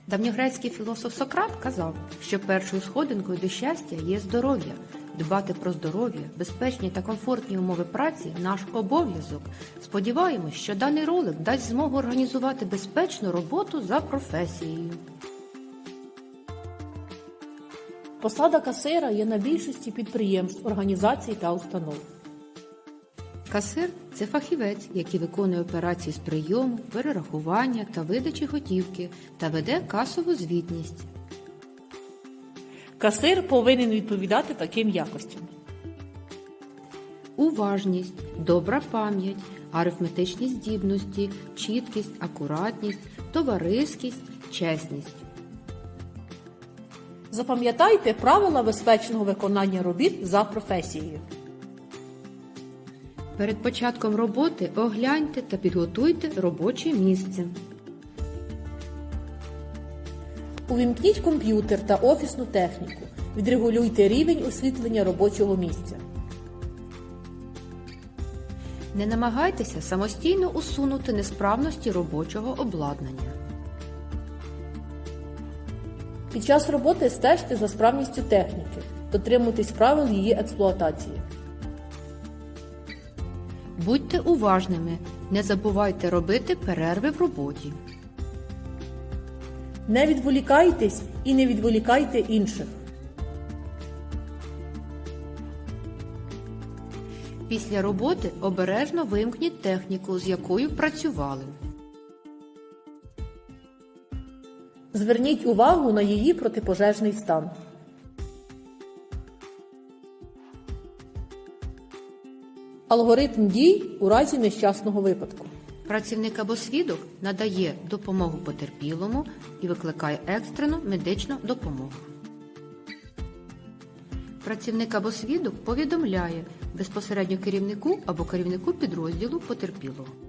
Давньогрецький філософ Сократ казав, що першою сходинкою до щастя є здоров'я. Дбати про здоров'я, безпечні та комфортні умови праці – наш обов'язок. Сподіваємось, що даний ролик дасть змогу організувати безпечну роботу за професією. Посада касира є на більшості підприємств, організацій та установ. Касир – це фахівець, який виконує операції з прийому, перерахування та видачі готівки та веде касову звітність. Касир повинен відповідати таким якостям: Уважність, добра пам'ять, арифметичні здібності, чіткість, акуратність, товариськість, чесність. Запам'ятайте правила безпечного виконання робіт за професією. Перед початком роботи огляньте та підготуйте робоче місце. Увімкніть комп'ютер та офісну техніку. Відрегулюйте рівень освітлення робочого місця. Не намагайтеся самостійно усунути несправності робочого обладнання. Під час роботи стежте за справністю техніки. Дотримуйтесь правил її експлуатації. Будьте уважними, не забувайте робити перерви в роботі. Не відволікайтесь і не відволікайте інших. Після роботи обережно вимкніть техніку, з якою працювали. Зверніть увагу на її протипожежний стан. Алгоритм дій у разі нещасного випадку. Працівник або свідок надає допомогу потерпілому і викликає екстрену медичну допомогу. Працівник або свідок повідомляє безпосередньо керівнику або керівнику підрозділу потерпілого.